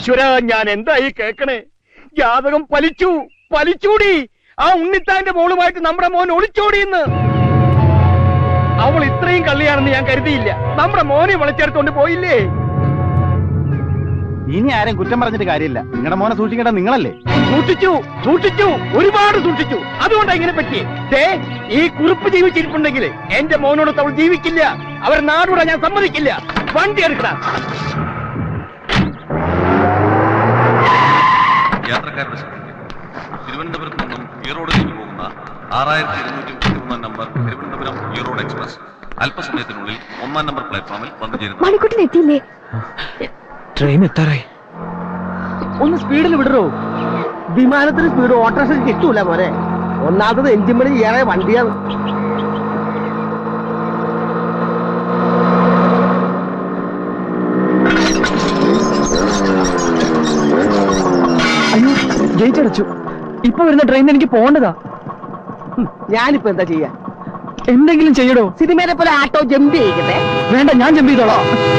ഈശ്വര, ഞാൻ എന്തായി കേക്കണേ? ജാതകം പലിച്ചൂടി. ആ ഉണ്ണിത്താന്റെ മോളുമായിട്ട് നമ്മുടെ മോൻ ഒളിച്ചോടിയെന്ന്. അവൾ ഇത്രയും കള്ളിയാണെന്ന് ഞാൻ കരുതിയില്ല. നമ്മുടെ മോനെ വിളിച്ചെടുത്തോണ്ട് പോയില്ലേ? ഇനി ആരും കുറ്റം പറഞ്ഞിട്ട് കാര്യമില്ല. നിങ്ങളുടെ മോനെ സൂക്ഷിക്കേണ്ട നിങ്ങളല്ലേ? സൂക്ഷിച്ചു, ഒരുപാട് സൂക്ഷിച്ചു. അതുകൊണ്ടാ ഇങ്ങനെ പറ്റി. ഈ കുറിപ്പ് ജീവിച്ചിരിപ്പുണ്ടെങ്കിൽ എന്റെ മോനോട് അവൾ ജീവിക്കില്ല. അവർ നാടോടെ ഞാൻ സമ്മതിക്കില്ല. വണ്ടി എടുക്കണം. യാത്രക്കാരുടെ തിരുവനന്തപുരത്ത് നിന്നും ഈറോഡിലേക്ക് പോകുന്ന 6233 നമ്പർ തിരുവനന്തപുരം ഈറോഡ് എക്സ്പ്രസ് അല്പസമയത്തിനുള്ളിൽ 1-ാം നമ്പർ പ്ലാറ്റ്ഫോമിൽ വന്നു ചേരുന്നു. ട്രെയിൻ എത്താറായി. ഒന്ന് സ്പീഡിൽ വിടറോ. വിമാനത്തിന് സ്പീഡ് ഓട്ടോറിക്ഷ കിട്ടൂല മോനെ. ഒന്നാമത് എഞ്ചിൻ പണി ഏറെ വണ്ടിയാണ്. അയ്യോ, ഗേറ്റ് അടച്ചു. ഇപ്പൊ വരുന്ന ട്രെയിൻ എനിക്ക് പോകേണ്ടതാ. ഞാനിപ്പോ എന്താ ചെയ്യാ? എന്തെങ്കിലും ചെയ്യടോ. സിനിമയിലെ പോലെ ആട്ടോ ജമ്പ് ചെയ്യിക്കട്ടെ? വേണ്ട, ഞാൻ ജമ്പ് ചെയ്തോളാം.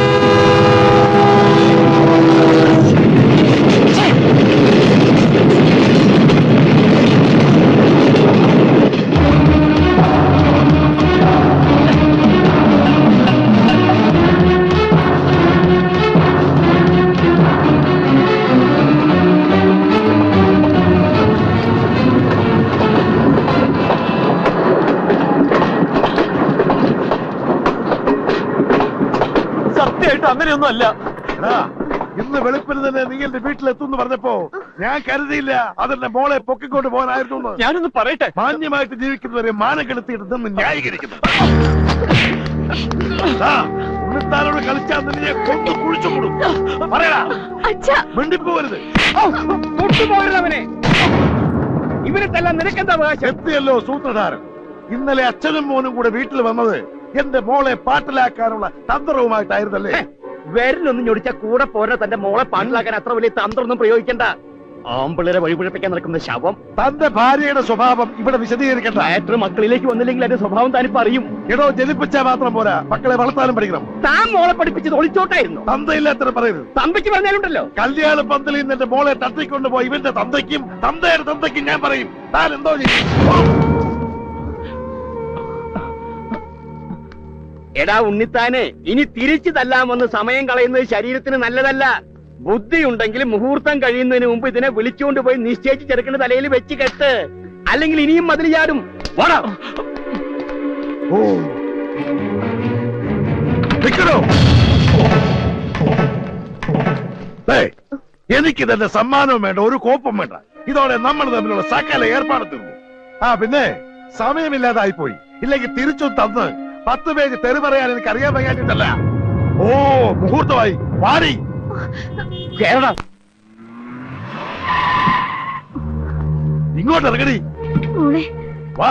അങ്ങനെയൊന്നും അല്ല. ഇന്ന് വെളുപ്പിന് തന്നെ നിങ്ങളുടെ വീട്ടിലെത്തുന്നു പറഞ്ഞപ്പോ ഞാൻ കരുതിയില്ല അതെന്റെ മോളെ പൊക്കിക്കൊണ്ട് പോകാനായിരുന്നു. ഞാനൊന്ന് പറയട്ടെ. മാന്യമായിട്ട് ജീവിക്കുന്നവരെ മാനം കെടുത്തിയിട്ട് നിന്ന് ന്യായീകരിക്കുന്നു. ഉണ്ണിത്താനോട് കളിച്ചാൽ നിന്നെ കൊന്നു കുഴിച്ചു കൂടും. പറയടാ, മിണ്ടിപ്പോവരുത്. അവനെ ഇവരെ തല്ലാൻ നിനക്കെന്താ അവകാശം? എത്തിയല്ലോ സൂത്രധാരൻ. ഇന്നലെ അച്ഛനും മോനും കൂടെ വീട്ടിൽ വന്നത് എന്റെ മോളെ പാട്ടിലാക്കാനുള്ള തന്ത്രവുമായിട്ടായിരുന്നല്ലേ? വിരലൊന്നും ഞൊടിച്ച കൂടെ പോരാ. തന്റെ മോളെ പാട്ടിലാക്കാൻ അത്ര വലിയ തന്ത്രമൊന്നും പ്രയോഗിക്കണ്ട. ആമ്പിള്ളേരെ വഴിപിഴപ്പിക്കാൻ നടക്കുന്ന ശവം. തന്റെ ഭാര്യയുടെ സ്വഭാവം ഇവിടെ വിശദീകരിക്കണ്ട. മാറ്റർ മക്കളിലേക്ക് വന്നില്ലെങ്കിൽ അതിന്റെ സ്വഭാവം താനിപ്പോ അറിയും. എടോ, ജനിപ്പിച്ചാൽ മാത്രം പോരാ, മക്കളെ വളർത്താനും പഠിക്കണം. താൻ മോളെ പഠിപ്പിച്ചത് ഒളിച്ചോട്ടായിരുന്നു. തന്തയില്ലാത്ത പറയരുത്. തന്തയ്ക്ക് പറഞ്ഞാലുണ്ടല്ലോ. കല്യാണ പന്തലിൽ നിന്ന് എന്റെ മോളെ തട്ടിക്കൊണ്ടുപോയി ഇവന്റെ തന്തയ്ക്കും തന്തയുടെ തന്തയ്ക്കും ഞാൻ പറയും. താൻ എന്തോ ചെയ്യും? എടാ ഉണ്ണിത്താനെ, ഇനി തിരിച്ചു തല്ലാമെന്ന് സമയം കളയുന്നത് ശരീരത്തിന് നല്ലതല്ല. ബുദ്ധി ഉണ്ടെങ്കിൽ മുഹൂർത്തം കഴിയുന്നതിന് മുമ്പ് ഇതിനെ വിളിച്ചുകൊണ്ട് പോയി നിശ്ചയിച്ച് ചെറുക്കുന്ന തലയിൽ വെച്ച് കെട്ട്. അല്ലെങ്കിൽ ഇനിയും മതിൽ ചാടും. എനിക്ക് തന്നെ സമ്മാനവും വേണ്ട, ഒരു കോപ്പം വേണ്ട. ഇതോടെ നമ്മൾ തമ്മിലുള്ള സകല ഏർപ്പാട് തീർന്നു. പിന്നെ സമയമില്ലാതായിപ്പോയി. ഇല്ലെങ്കിൽ തിരിച്ചു തന്ന് 10 പേജ് തെറി പറയാൻ എനിക്ക് അറിയാൻ വയ്യാഞ്ഞിട്ടല്ല. മുഹൂർത്തമായി. വാടി ഇങ്ങോട്ട് ഇറങ്ങടി. വാ.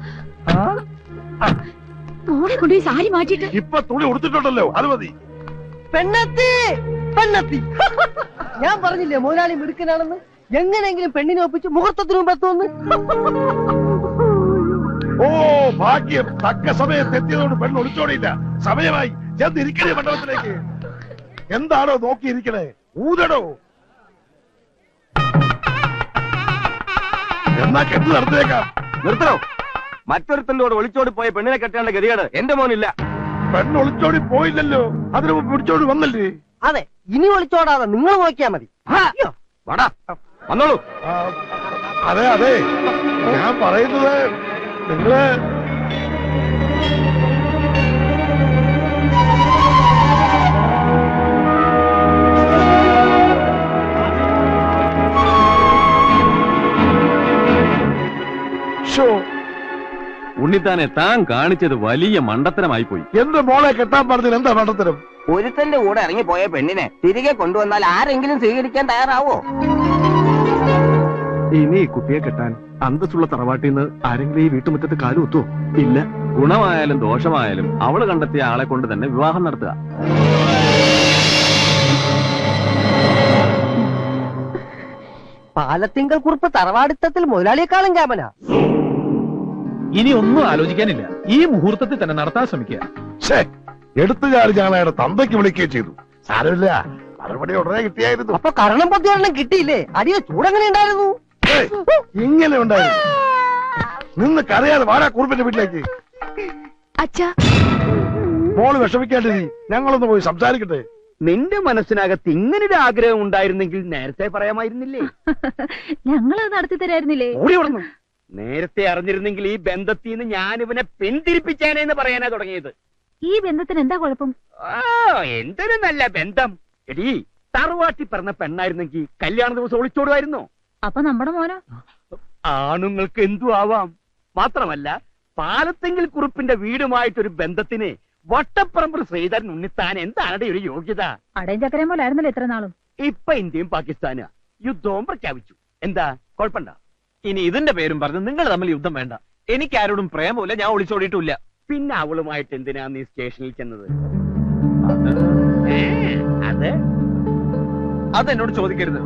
സാരി മാറ്റിട്ട് ഇപ്പൊ തുണി ഉടുത്തിട്ടുണ്ടല്ലോ, അത് മതി. പെണ്ണെത്തി. ഞാൻ പറഞ്ഞില്ലേ മുതലാളി മിടുക്കനാണെന്ന്. എങ്ങനെയെങ്കിലും പെണ്ണിനെ ഒപ്പിച്ച് മുഹൂർത്തത്തിന് മുമ്പ് എത്തുമെന്ന്. ഭാഗ്യം, തക്ക സമയത്ത് എത്തിയതോട് പെണ്ണ് ഒളിച്ചോടിയില്ല. സമയമായി. ചെന്നിരിക്കണേ മണ്ഡപത്തിലേക്ക്. എന്താണോ നോക്കിയിരിക്കണേ? ഊതടോ. എന്നാ കെട്ട് നടത്തിയേക്കാം. നിർത്തണോ? മറ്റൊരുത്തന്റെ കൂടെ ഒളിച്ചോടി പോയ പെണ്ണിനെ കെട്ടേണ്ട ഗതികേട് എന്റെ മോനില്ല. പെണ്ണ് ഒളിച്ചോടി പോയില്ലല്ലോ, അതിന് പിടിച്ചോടി വന്നല്ലേ? അതെ, ഇനി ഒളിച്ചോടാതെ നിങ്ങൾ നോക്കിയാ മതി. വന്നോളൂ. അതെ, ഞാൻ പറയുന്നത് നിങ്ങള് ഉണ്ണിത്താനെ താൻ കാണിച്ചത് വലിയ മണ്ടത്തരമായി പോയി. എന്റെ മോളെ കെട്ടാൻ പറഞ്ഞത് എന്താ മണ്ടത്തരം? ഒരുത്തന്റെ കൂടെ ഇറങ്ങിപ്പോയ പെണ്ണിനെ തിരികെ കൊണ്ടുവന്നാൽ ആരെങ്കിലും സ്വീകരിക്കാൻ തയ്യാറാവോ? ഇനി കുട്ടിയെ കെട്ടാൻ അന്തസ്സുള്ള തറവാട്ടിൽ നിന്ന് ആരെങ്കിലും ഈ വീട്ടുമുറ്റത്ത് കാലുകുത്തോ? ഇല്ല. ഗുണമായാലും ദോഷമായാലും അവള് കണ്ടെത്തിയ ആളെ കൊണ്ട് തന്നെ വിവാഹം നടത്തുക. പാലത്തിങ്കൽ കുറിപ്പ് തറവാടിത്തത്തിൽ മുതലാളിയെക്കാളും ക്യാമനാ. ഇനി ഒന്നും ആലോചിക്കാനില്ല. ഈ മുഹൂർത്തത്തിൽ തന്നെ നടത്താൻ ശ്രമിക്കുക. എടുത്തുചാടി ഞങ്ങളയാളുടെ തന്തയ്ക്ക് വിളിക്കുകയും ചെയ്തു. സാരമില്ല, മറുപടി ഉടനെ കിട്ടിയായിരുന്നു. അപ്പൊ കരണം പൊത്തിയൊരെണ്ണം കിട്ടിയില്ലേ? അടിയോ ചൂടെങ്ങനെ ഉണ്ടായിരുന്നു? ഏയ്, ഇങ്ങനെ ഉണ്ടായിരുന്നു. നിന്ന് കരയാതെ വാടാ കുറുപ്പിന്റെ വീട്ടിലേക്ക്. അച്ഛാ, മോള് വിഷമിക്കാണ്ടിരി, ഞങ്ങളൊന്ന് പോയി സംസാരിക്കട്ടെ. നിന്റെ മനസ്സിനകത്ത് ഇങ്ങനൊരു ആഗ്രഹം ഉണ്ടായിരുന്നെങ്കിൽ നേരത്തെ പറയാമായിരുന്നില്ലേ? ഞങ്ങളത് നടത്തി തരായിരുന്നില്ലേ? ഓടി ഓടുന്നു. നേരത്തെ അറിഞ്ഞിരുന്നെങ്കിൽ ഈ ബന്ധത്തിൽ നിന്ന് ഞാൻ ഇവനെ പിന്തിരിപ്പിച്ചേനെന്ന് പറയാനാ തുടങ്ങിയത്. ഈ ബന്ധത്തിന് എന്താ കുഴപ്പം? എന്തൊരു നല്ല ബന്ധം. എടീ, തറവാട്ടി പറഞ്ഞ പെണ്ണായിരുന്നെങ്കിൽ കല്യാണ ദിവസം ഒളിച്ചോടുമായിരുന്നോ? അപ്പൊ നമ്മുടെ മോനോ? ആണുങ്ങൾക്ക് എന്തു ആവാം. മാത്രമല്ല, പാലത്തെങ്കിൽ കുറുപ്പിന്റെ വീടുമായിട്ടൊരു ബന്ധത്തിന് വട്ടപ്പറമ്പ് ശ്രീധരൻ ഉണ്ണിത്താൻ എന്താണ് ഒരു യോഗ്യത? അടയും ചക്കരയും പോലെ ആയിരുന്നല്ലോ ഇത്ര നാളും. ഇപ്പൊ ഇന്ത്യയും പാകിസ്ഥാനും യുദ്ധവും പ്രഖ്യാപിച്ചു. എന്താ കുഴപ്പമുണ്ടോ? ഇനി ഇതിന്റെ പേരും പറഞ്ഞ് നിങ്ങൾ തമ്മിൽ യുദ്ധം വേണ്ട. എനിക്ക് ആരോടും പ്രേമമില്ല, ഞാൻ ഒളിച്ചോടിയിട്ടില്ല. പിന്നെ അവളുമായിട്ട് എന്തിനാ നീ സ്റ്റേഷനിൽ ചെന്നത്? അത് അതെന്നോട് ചോദിക്കരുത്.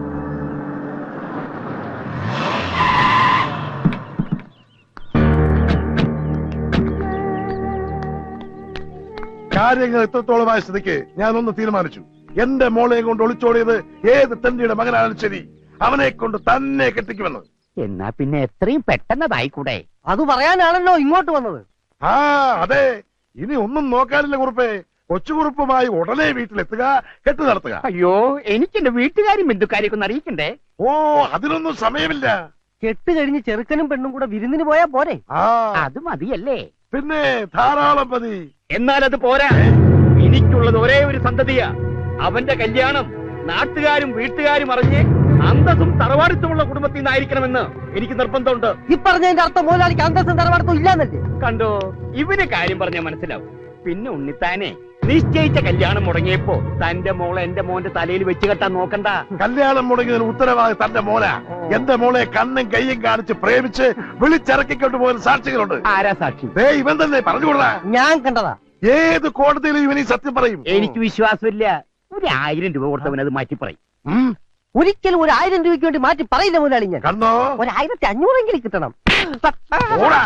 കാര്യങ്ങൾ എത്രത്തോളമായ സ്ഥിതിക്ക് ഞാനൊന്ന് തീരുമാനിച്ചു. എന്റെ മോളെയും കൊണ്ട് ഒളിച്ചോടിയത് ഏത് തന്റെ മകനാലും ശരി, അവനെ കൊണ്ട് തന്നെ കെട്ടിക്കുമെന്ന്. എന്നാ പിന്നെ എത്രയും പെട്ടെന്നതായിക്കൂടെ? അത് പറയാനാണല്ലോ ഇങ്ങോട്ട് വന്നത്. ആ അതെ, ഇനി ഒന്നും നോക്കാനില്ല കുറുപ്പേ. കൊച്ചുകുറുപ്പുമായി ഉടനെ വീട്ടിലെത്തുക, കെട്ടു നടത്തുക. അയ്യോ, എനിക്ക് എന്റെ വീട്ടുകാരും ബന്ധുക്കാരെയൊക്കെ ഒന്ന് അറിയിക്കണ്ടേ? ഓ, അതിനൊന്നും സമയമില്ല. കെട്ട് കഴിഞ്ഞ് ചെറുക്കനും പെണ്ണും കൂടെ വിരുന്നിന് പോയാ പോരെ? ആ അത് മതിയല്ലേ? പിന്നെ ധാരാളം മതി. എന്നാൽ അത് പോരാ. എനിക്കുള്ളത് ഒരേ ഒരു സന്തതിയാ. അവന്റെ കല്യാണം നാട്ടുകാരും വീട്ടുകാരും അറിഞ്ഞ് അന്തസ്സും തറവാടിത്തമുള്ള കുടുംബത്തിൽ നിന്നായിരിക്കണമെന്ന് എനിക്ക് നിർബന്ധമുണ്ട്. ഈ പറഞ്ഞതിന്റെ അർത്ഥം മുതലാളിക്ക് അന്തസ്സും തറവാടത്തും ഇല്ലാന്നല്ലേ? കണ്ടോ, ഇവന് കാര്യം പറഞ്ഞാൽ മനസ്സിലാവും. പിന്നെ ഉണ്ണിത്താനെ നിശ്ചയിച്ച കല്യാണം മുടങ്ങിയപ്പോ തന്റെ മോളെ എന്റെ മോന്റെ തലയിൽ വെച്ച് കെട്ടാൻ നോക്കണ്ട. കല്യാണം മുടങ്ങിയതിന് ഉത്തരവാദി തന്റെ മോനാ. എന്റെ മോളെ കണ്ണും കയ്യും കാണിച്ച് പ്രേമിച്ച് വിളിച്ചിറക്കിക്കൊണ്ട് പോകുന്ന സാക്ഷികളുണ്ട്. ആരാ സാക്ഷി? ദേ ഇവൻ തന്നെ പറഞ്ഞുകൊള്ളാ. ഞാൻ കണ്ടതാ. ഏത് കോടതിയിലും ഇവനീ സത്യം പറയും. എനിക്ക് വിശ്വാസമില്ല. 1000 രൂപ കൊടുത്തവൻ അത് മാറ്റി പറയും. ഒരിക്കലും 1000 രൂപയ്ക്ക് വേണ്ടി മാറ്റി പറയില്ല മുതലാളി. ഞാൻ കണ്ടോ, 1500 കിട്ടണം. ഓടാ.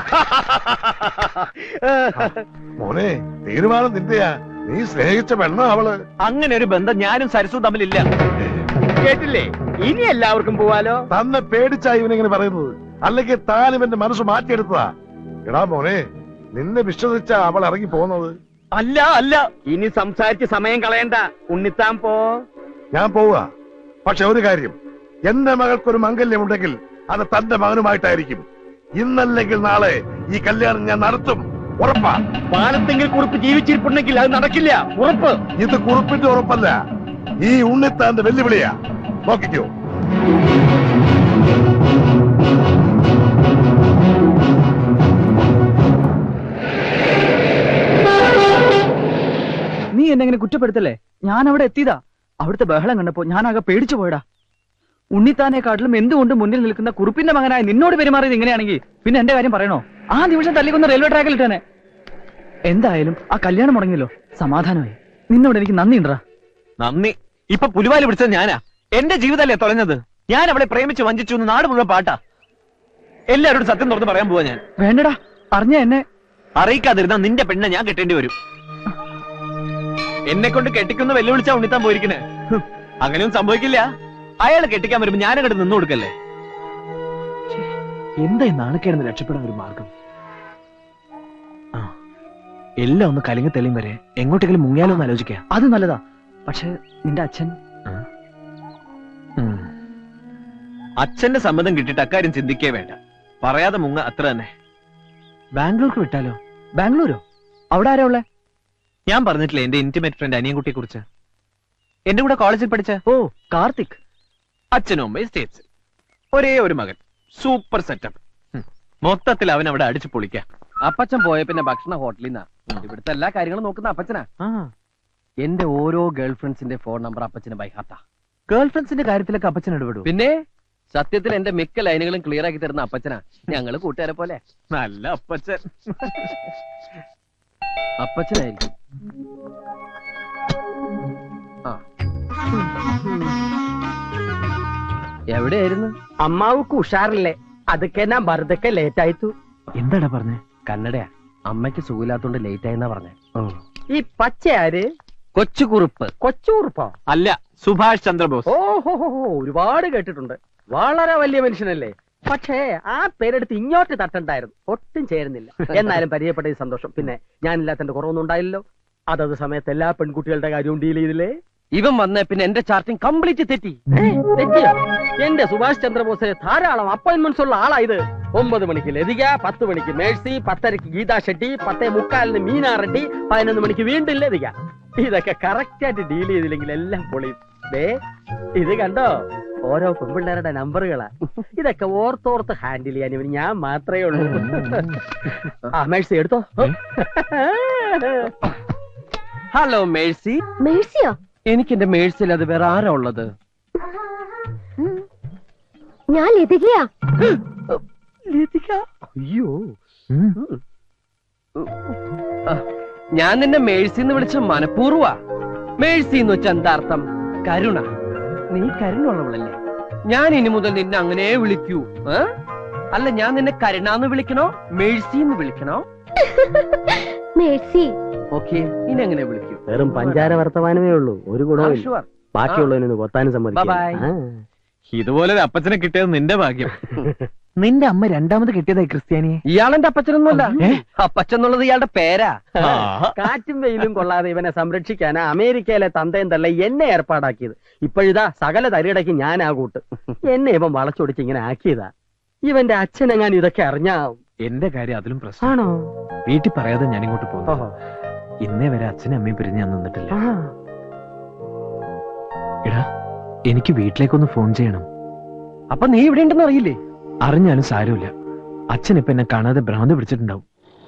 മോനെ, തീരുമാനം നിന്റെയാ. നീ സ്നേഹിച്ച പെണ്ണ അവള്. അങ്ങനെ ഒരു ബന്ധം ഞാനും സരസും തമ്മിലില്ല. കേട്ടില്ലേ? ഇനി എല്ലാവർക്കും പോവാലോ. തന്നെ പേടിച്ചാ ഇവനിങ്ങനെ പറയുന്നത്, അല്ലെങ്കിൽ താൻ ഇവന്റെ മനസ്സ് മാറ്റിയെടുത്തതാ. എടാ മോനെ, നിന്നെ വിശ്വസിച്ചാ അവൾ ഇറങ്ങി പോകുന്നത്. അല്ല അല്ല, ഇനി സംസാരിച്ച് സമയം കളയണ്ട. ഉണ്ണിത്താൻ പോ. ഞാൻ പോവുക. പക്ഷെ ഒരു കാര്യം, എന്റെ മകൾക്കൊരു മംഗല്യമുണ്ടെങ്കിൽ അത് തന്റെ മകനുമായിട്ടായിരിക്കും. ഇന്നല്ലെങ്കിൽ നാളെ ഈ കല്യാണം ഞാൻ നടത്തും, ഉറപ്പാ. പാലത്തെങ്കിൽ കുറിപ്പ് ജീവിച്ചിരിപ്പുണ്ടെങ്കിൽ അത് നടക്കില്ല, ഉറപ്പ്. ഇത് കുറിപ്പിന്റെ ഉറപ്പല്ല, ഈ ഉണ്ണിത്താന്റെ വെല്ലുവിളിയാ. നോക്കിക്കോ. നീ എന്നെ എങ്ങനെ കുറ്റപ്പെടുത്തല്ലേ? ഞാൻ അവിടെ എത്തിയതാ. അവിടുത്തെ ബഹളം കണ്ടപ്പോ ഞാനാകെ പേടിച്ചു പോയടാ. ഉണ്ണിത്താനെക്കാട്ടിലും എന്തുകൊണ്ട് മുന്നിൽ നിൽക്കുന്ന കുറുപ്പിന്റെ മകനായ നിന്നോട് പെരുമാറിയത് ഇങ്ങനെയാണെങ്കിൽ പിന്നെ എന്റെ കാര്യം പറയണോ? ആ നിമിഷം തല്ലിക്കൊന്ന് റെയിൽവേ ട്രാക്കിൽ ഇട്ടേനെ. എന്തായാലും ആ കല്യാണം മുടങ്ങിയല്ലോ, സമാധാനമായി. നിന്നോട് എനിക്ക് നന്ദിയുണ്ടാ. നന്ദി? ഇപ്പൊ പുലിവാല് പിടിച്ചത് ഞാനാ. എന്റെ ജീവിതമല്ലേ തുറഞ്ഞത്. ഞാൻ അവളെ പ്രേമിച്ച് വഞ്ചിച്ചു എന്ന് നാട് മുഴുവൻ പാട്ടാ. എല്ലാവരോടും സത്യം തുറന്ന് പറയാൻ പോവാ ഞാൻ. വേണ്ടടാ, അറിഞ്ഞ എന്നെ അറിയിക്കാതിരുന്ന നിന്റെ പെണ്ണെ ഞാൻ കെട്ടേണ്ടി വരും. എന്നെ കൊണ്ട് കെട്ടിക്കുന്ന വെല്ലുവിളിച്ചാ ഉണ്ണിത്താൻ പോയിരിക്കണേ. അങ്ങനെയൊന്നും സംഭവിക്കില്ല. അയാൾ കെട്ടിക്കാൻ വരുമ്പോ ഞാനങ്ങോട്ട് നിന്നു കൊടുക്കല്ലേ. എന്താ നാണക്കേടുന്ന് രക്ഷപ്പെടാൻ ഒരു മാർഗം? എല്ലാം ഒന്ന് കലിങ്ങി തെളിയും വരെ എങ്ങോട്ടെങ്കിലും മുങ്ങിയാലോ എന്ന് ആലോചിക്കാം. അത് നല്ലതാ. പക്ഷെ നിന്റെ അച്ഛൻ അച്ഛന്റെ സമ്മതം കിട്ടിയിട്ട് അക്കാര്യം ചിന്തിക്കേ വേണ്ട. പറയാതെ മുങ്ങ, അത്ര തന്നെ. ബാംഗ്ലൂർക്ക് വിട്ടാലോ? ബാംഗ്ലൂരോ? അവിടെ ആരാ ഉള്ളേ? ഞാൻ പറഞ്ഞിട്ടില്ലേ എന്റെ ഇന്റിമേറ്റ് ഫ്രണ്ട് അനിയൻകുട്ടിയെ കുറിച്ച്. എന്റെ കൂടെ കോളേജിൽ പഠിച്ച. ഓ, കാർത്തിക്. അച്ഛനും അമ്മയും സ്റ്റേറ്റ്സ്, ഒരേ ഒരു മകൻ. Super setup. മൊത്തത്തിൽ അവൻ അവിടെ അടിച്ചു പൊളിക്കാം. അപ്പച്ചൻ പോയ പിന്നെ ഭക്ഷണ ഹോട്ടലിൽ നിന്നാ. ഇവിടുത്തെ എല്ലാ കാര്യങ്ങളും നോക്കുന്ന അപ്പച്ചനാ. എന്റെ ഓരോ ഗേൾ ഫ്രണ്ട്സിന്റെ ഫോൺ നമ്പർ അപ്പച്ചന് ബൈഹാത്താ. ഗേൾ ഫ്രണ്ട്സിന്റെ കാര്യത്തിലൊക്കെ അപ്പച്ചൻ ഇടപെടും. പിന്നെ സത്യത്തിൽ എന്റെ മിക്ക ലൈനുകളും ക്ലിയർ ആക്കി തരുന്ന അപ്പച്ചനാ. ഞങ്ങള് കൂട്ടുകാരെ പോലെ. നല്ല അപ്പച്ചൻ. അപ്പച്ചനായിരിക്കും. എവിടെയായിരുന്നു? അമ്മാവുക്ക് ഉഷാറില്ലേ? അതൊക്കെ ഞാൻ വെറുതെ ലേറ്റ് ആയിത്തു. എന്താടാ പറഞ്ഞേ? കന്നഡയാ. അമ്മയ്ക്ക് സുഖമില്ലാത്തോണ്ട് ലേറ്റ് ആയെന്നാ പറഞ്ഞേ. ഈ പച്ച ആര്? കൊച്ചുകുറുപ്പ്. കൊച്ചുകുറുപ്പോ? അല്ല, സുഭാഷ് ചന്ദ്രബോസ്. ഓഹോ, ഒരുപാട് കേട്ടിട്ടുണ്ട്. വളരെ വലിയ മനുഷ്യനല്ലേ. പക്ഷേ ആ പേരെടുത്ത് ഇങ്ങോട്ട് തട്ടണ്ടായിരുന്നു. ഒട്ടും ചേരുന്നില്ല. എന്നാലും പരിചയപ്പെട്ട സന്തോഷം. പിന്നെ ഞാനില്ലാത്തതിന്റെ കുറവൊന്നും ഉണ്ടായില്ലല്ലോ. അതത് സമയത്ത് എല്ലാ പെൺകുട്ടികളുടെ കാര്യവും ഡീൽ ചെയ്തില്ലേ? ഇവൻ വന്ന പിന്നെ എന്റെ ചാർട്ടിങ് കംപ്ലീറ്റ് തെറ്റി. തെറ്റിയോ? എന്റെ സുഭാഷ് ചന്ദ്രബോസിന് ധാരാളം അപ്പോയിന്റ്മെന്റ്സ് ഉള്ള ആളായത്. 9 മണിക്ക് ലതിക, 10 മണിക്ക് മേഴ്സി, 10:30 ഗീതാ ഷെട്ടി, 10:45 മീനാ റെഡ്ഡി, 11 മണിക്ക് വീണ്ടും ലതിക. ഇതൊക്കെ കറക്റ്റ് ആയിട്ട് ഡീൽ ചെയ്തില്ലെങ്കിൽ എല്ലാം പൊളിയും. ഇത് കണ്ടോ, ഓരോ പെൺപിള്ളേരുടെ നമ്പറുകളാ. ഇതൊക്കെ ഓർത്തോർത്ത് ഹാൻഡിൽ ചെയ്യാൻ ഇവന് ഞാൻ മാത്രമേ ഉള്ളൂ. ആ മേഴ്സി എടുത്തോ. Hello Mercy. മേഴ്സിയോ? എനിക്ക് എന്റെ മേഴ്സിൽ അത് വേറെ ആരാ ഉള്ളത്? ഞാൻ ലതികയാ. ലതിക? അയ്യോ, ഞാൻ നിന്നെ മേഴ്സി എന്ന് വിളിച്ച മനഃപൂർവ്വ. മേഴ്സി എന്ന് വെച്ചാൽ എന്താ അർത്ഥം? കരുണ. നീ കരുണുള്ളവളല്ലേ? ഞാൻ ഇനി മുതൽ നിന്നെ അങ്ങനെ വിളിക്കൂ. അല്ല, ഞാൻ നിന്നെ കരുണാന്ന് വിളിക്കണോ മേഴ്സി എന്ന് വിളിക്കണോ? മേഴ്സി. ഓക്കെ, ഇനി എങ്ങനെ വിളിക്കൂ? വെറും പഞ്ചാര വർത്തമാനമേ ഉള്ളൂ, ഒരു ഗുണവും ഇല്ല. ബാക്കിയുള്ളതിനൊന്ന് കൊത്താനും സമ്മതിക്കില്ല. ഇതുപോലെ അപ്പച്ചനെ കിട്ടിയത് നിന്റെ ഭാഗ്യം. നിന്റെ അമ്മ രണ്ടാമത് കിട്ടിയതായി ക്രിസ്ത്യാനിയെ. ഇയാളെന്റെ അപ്പച്ചനൊന്നുമല്ല. അപ്പച്ചെന്നുള്ളത് ഇയാളുടെ പേരാ. കാറ്റും വെയിലും കൊള്ളാതെ ഇവനെ സംരക്ഷിക്കാനാ അമേരിക്കയിലെ തന്തയും തള്ള എന്നെ ഏർപ്പാടാക്കിയത്. ഇപ്പോഴിതാ സകല തരിടയ്ക്ക് ഞാൻ ആ കൂട്ട്. എന്നെ ഇവൻ വളച്ചൊടിച്ച് ഇങ്ങനെ ആക്കിയതാ. ഇവന്റെ അച്ഛനെങ്ങാൻ ഇതൊക്കെ അറിഞ്ഞാ. എന്റെ കാര്യം അതിലും പ്രശ്നം. ആണോ? വീട്ടിൽ പറയാതെ ഞാൻ ഇങ്ങോട്ട് പോകുന്നു. ഇന്നേ വരെ അച്ഛനും അമ്മയും പിരിഞ്ഞ് ഞാൻ നിന്നിട്ടില്ല. എടാ, എനിക്ക് വീട്ടിലേക്കൊന്ന് ഫോൺ ചെയ്യണം. അപ്പൊ നീ ഇവിടെ ഉണ്ടെന്ന് അറിയില്ലേ? അറിഞ്ഞാലും സാരമില്ല. അച്ഛൻ ഇപ്പൊ എന്നെ കാണാതെ ഭ്രാന്ത് പിടിച്ചിട്ടുണ്ടാവും.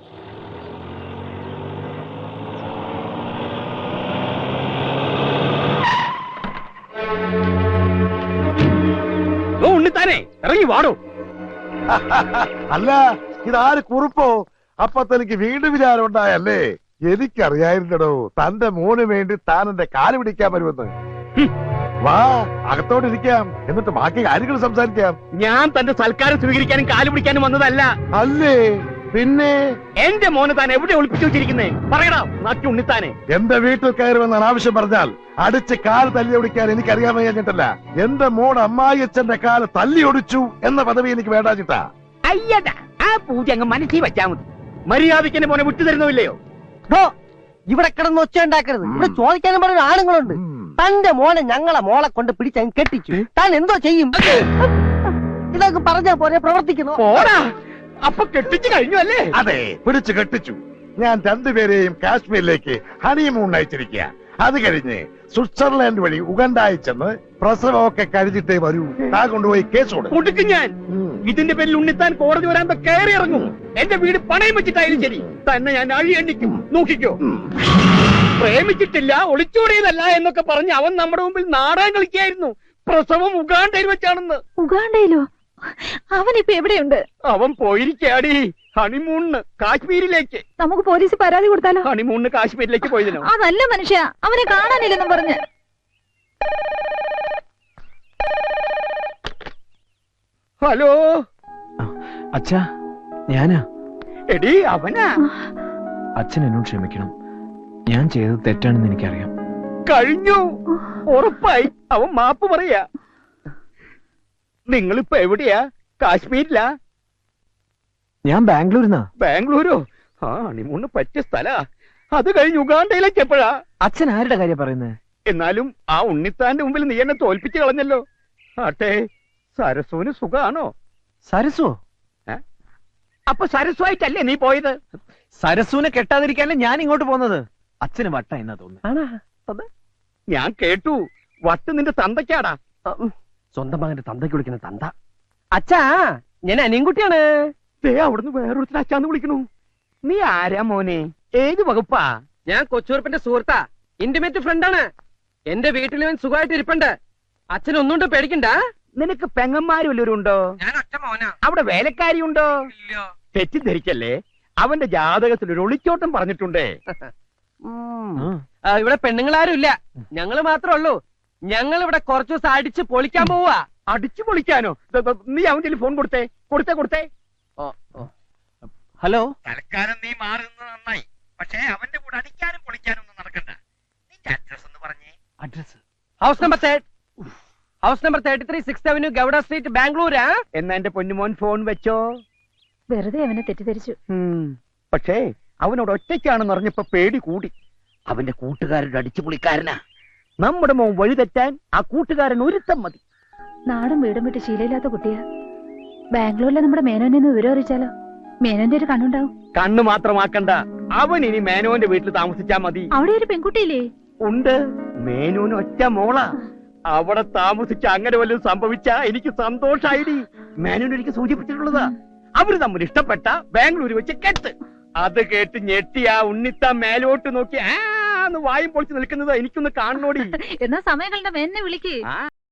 ഉണ്ണിത്താനെ ഇറങ്ങി വാടോ. അല്ല, ഇതാര് കുറിപ്പോ? അപ്പൊ തനിക്ക് വീണ്ടും വിചാരം ഉണ്ടായല്ലേ? എനിക്കറിയായിരുന്നടോ തന്റെ മോന് വേണ്ടി താൻ എന്റെ കാല് പിടിക്കാൻ വരുമെന്ന്. വാ, അകത്തോട്ടിരിക്കാം, എന്നിട്ട് ബാക്കി കാര്യങ്ങൾ സംസാരിക്കാം. ഞാൻ തന്റെ സൽക്കാരം സ്വീകരിക്കാനും കാല് പിടിക്കാനും വന്നതല്ല. അല്ലേ പിന്നെ? എന്റെ മോന് താൻ എവിടെ ഒളിപ്പിച്ചു വെച്ചിരിക്കുന്നേ? പറയടാ നാട്ടി ഉണ്ണിത്താനെ. എന്റെ വീട്ടിൽ കയറുമെന്നാണ് ആവശ്യം പറഞ്ഞാൽ അടിച്ച് കാല് തല്ലി ഒടിക്കാൻ എനിക്കറിയാൻ വയ്യാഞ്ഞിട്ടല്ല. എന്റെ മോൻ അമ്മായി അച്ഛന്റെ കാല് തല്ലി ഒടിച്ചു എന്ന പദവി എനിക്ക് വേണ്ടാച്ചിട്ടാ. അയ്യടാ, ആ പൂജ അങ്ങ് മനസ്സിൽ വെച്ചാ മതി. മര്യാദയ്ക്ക് എന്റെ മോനെ വിട്ടുതരുന്നില്ലയോ? ഇവിടെ കിടന്ന് ഒച്ച ഉണ്ടാക്കരുത്. ഇവിടെ ചോദിക്കാനും പറഞ്ഞ ആണുങ്ങളുണ്ട്. തന്റെ മോനെ ഞങ്ങളെ മോളെ കൊണ്ട് പിടിച്ചങ്ങ് കെട്ടിച്ചു. താൻ എന്തോ ചെയ്യും? ഇതൊക്കെ പറഞ്ഞാ പോലെ പ്രവർത്തിക്കുന്നു. പോടാ, അപ്പൊ കെട്ടിച്ചു കഴിഞ്ഞു അല്ലേ? അതെ, പിടിച്ചു കെട്ടിച്ചു. ഞാൻ രണ്ടുപേരെയും കാശ്മീരിലേക്ക് ഹണിമൂൺ അയച്ചിരിക്കുക. അത് കഴിഞ്ഞ് സ്വിറ്റ്സർലാൻഡ് വഴി ഉഗണ്ടായി ചെന്ന് പ്രസവമൊക്കെ കഴിഞ്ഞിട്ടേ വരൂ. താ കൊണ്ടുപോയി കേസ് കൊടുക്കും ഞാൻ. ഇതിന്റെ പേരിൽ ഉണ്ണിത്താൻ കോടതി വരാൻ കയറി ഇറങ്ങും. എന്റെ വീട് പണയം വെച്ചിട്ടായാലും ശരി, തന്നെ ഞാൻ അഴി എണ്ണിക്കും. നോക്കിക്കോ. പ്രേമിച്ചിട്ടില്ല, ഒളിച്ചോടിയതല്ല എന്നൊക്കെ പറഞ്ഞ് അവൻ നമ്മുടെ മുമ്പിൽ നാടകം കളിക്കായിരുന്നു. പ്രസവം ഉഗാണ്ടയിൽ വെച്ചാണെന്ന്. ഉഗാണ്ടയിലോ? അവനിപ്പോ എവിടെയുണ്ട്? അവൻ പോയിരിക്കാടി ഹണിമൂണിന് കാശ്മീരിലേക്ക്. നമുക്ക് പോലീസ് പരാതി കൊടുത്താലോ? ഹണിമൂണിന് കാശ്മീരിലേക്ക് പോയതിനോ? അതല്ല മനുഷ്യ, അവനെ കാണാനില്ലെന്നും പറഞ്ഞ്. ഹലോ അച്ഛാ, ഞാനാ. എടി അവനാ. അച്ഛൻ എന്നോട് ക്ഷമിക്കണം. ഞാൻ ചെയ്തത് തെറ്റാണെന്ന് എനിക്കറിയാം. കഴിഞ്ഞു, ഉറപ്പായി. അവൻ മാപ്പ് പറയാ. നിങ്ങളിപ്പോ എവിടെയാ? കാശ്മീരിലാ? ഞാൻ ബാംഗ്ലൂരിന്നാ. ബാംഗ്ലൂരോ? ആ, ഹണിമൂണിന് പറ്റിയ സ്ഥലാ. അത് കഴിഞ്ഞ് ഉഗാണ്ടയിലേക്ക് എപ്പോഴാ? അച്ഛൻ ആരുടെ കാര്യം പറയുന്നത്? എന്നാലും ആ ഉണ്ണിത്താന്റെ മുമ്പിൽ നീ എന്നെ തോൽപ്പിച്ച് കളഞ്ഞല്ലോ. ആട്ടെ, സരസുവിന് സുഖാണോ? സരസോ? അപ്പൊ സരസുവായിട്ടല്ലേ നീ പോയത്? സരസുവിനെ കെട്ടാതിരിക്കാനല്ലേ ഞാൻ ഇങ്ങോട്ട് പോകുന്നത്. അച്ഛന് വട്ട എന്നാ തോന്നുന്നു. ഞാൻ കേട്ടു, വട്ട് നിന്റെ തന്തയ്ക്കാടാ. സ്വന്തം മകന്റെ തന്തയ്ക്ക് വിളിക്കുന്ന തന്ത. അച്ഛാ, ഞാൻ അനിയൻകുട്ടിയാണ്. അവിടുന്ന് വേറൊരുത്തിന് അച്ഛാന്ന് വിളിക്കണു. നീ ആരാ മോനെ? ഏത് വകുപ്പാ? ഞാൻ കൊച്ചുറുപ്പിന്റെ സുഹൃത്താ, ഇന്റിമേറ്റ് ഫ്രണ്ടാണ്. എന്റെ വീട്ടിൽ ഇവൻ സുഖമായിട്ട് ഇരിപ്പുണ്ട്. അച്ഛൻ ഒന്നുകൊണ്ട് പേടിക്കണ്ട. നിനക്ക് പെങ്ങന്മാരും വല്ലവരും ഉണ്ടോ? ഞാൻ ഒറ്റ മോനാ. അവിടെ വേലക്കാരി ഉണ്ടോ? തെറ്റിദ്ധരിക്കല്ലേ, അവന്റെ ജാതകത്തിൽ ഒരു ഒളിച്ചോട്ടം പറഞ്ഞിട്ടുണ്ടേ. ഇവിടെ പെണ്ണുങ്ങളാരും ഇല്ല, ഞങ്ങള് മാത്രമേ ഉള്ളൂ. ഞങ്ങൾ ഇവിടെ കുറച്ചു ദിവസം അടിച്ച് പൊളിക്കാൻ പോവാ. അടിച്ചു പൊളിക്കാനോ? നീ അവന്റെ ഫോൺ കൊടുത്തേ. കൊടുത്തേ. ഹലോ. തൽക്കാലം നീ മാറുന്നത് നന്നായി. പക്ഷേ അവന്റെ കൂടെ അടിക്കാനും പൊളിക്കാനും ഒന്നും നടക്കണ്ട. Address house number house number 33 6th avenue Gowda street ബാംഗ്ലൂരാ. എന്നാ എന്റെ പൊന്നുമോൻ ഫോൺ വെച്ചോ. വെറുതെ അവനെ തെറ്റിദ്ധരിച്ചു. പക്ഷേ അവനോട് ഒറ്റയ്ക്കാണെന്ന് അറിഞ്ഞപ്പോ പേടി കൂടി. അവന്റെ കൂട്ടുകാരുടെ അടിച്ചുപൊളിക്കാരനാ. നമ്മുടെ മോൻ വഴിതെറ്റാൻ ആ കൂട്ടുകാരൻ ഒരുത്തം മതി. നാടും വീടും വിട്ട് ശീലമില്ലാത്ത കുട്ടിയാ. ബാംഗ്ലൂരിലെ നമ്മുടെ മേനോനെ ഒന്ന് വിവരം അറിയിച്ചാലോ? മേനോന്റെ ഒരു കണ്ണുണ്ടാവും. കണ്ണു മാത്രമാക്കണ്ട, അവൻ ഇനി മേനോന്റെ വീട്ടിൽ താമസിച്ചാ മതി. അവിടെ ഒരു പെൺകുട്ടിയില്ലേ? ഉണ്ട്, മേനോന് ഒറ്റ മോളാ. അവിടെ താമസിച്ച അങ്ങനെ വല്ലതും സംഭവിച്ചാ എനിക്ക് സന്തോഷായിടി. മേനോൻ എനിക്ക് സൂചിപ്പിച്ചിട്ടുള്ളതാ. അവര് തമ്മിൽ ഇഷ്ടപ്പെട്ട ബാംഗ്ലൂർ വെച്ച് കെട്ട്. അത് കേട്ട് ഞെട്ടിയ ഉണ്ണിത്ത മേലോട്ട് നോക്കി വായും പൊളിച്ച് നിൽക്കുന്നത് എനിക്കൊന്ന് കാണണോടി. എന്നാ സമയം കണ്ട മേനെ വിളിക്ക്.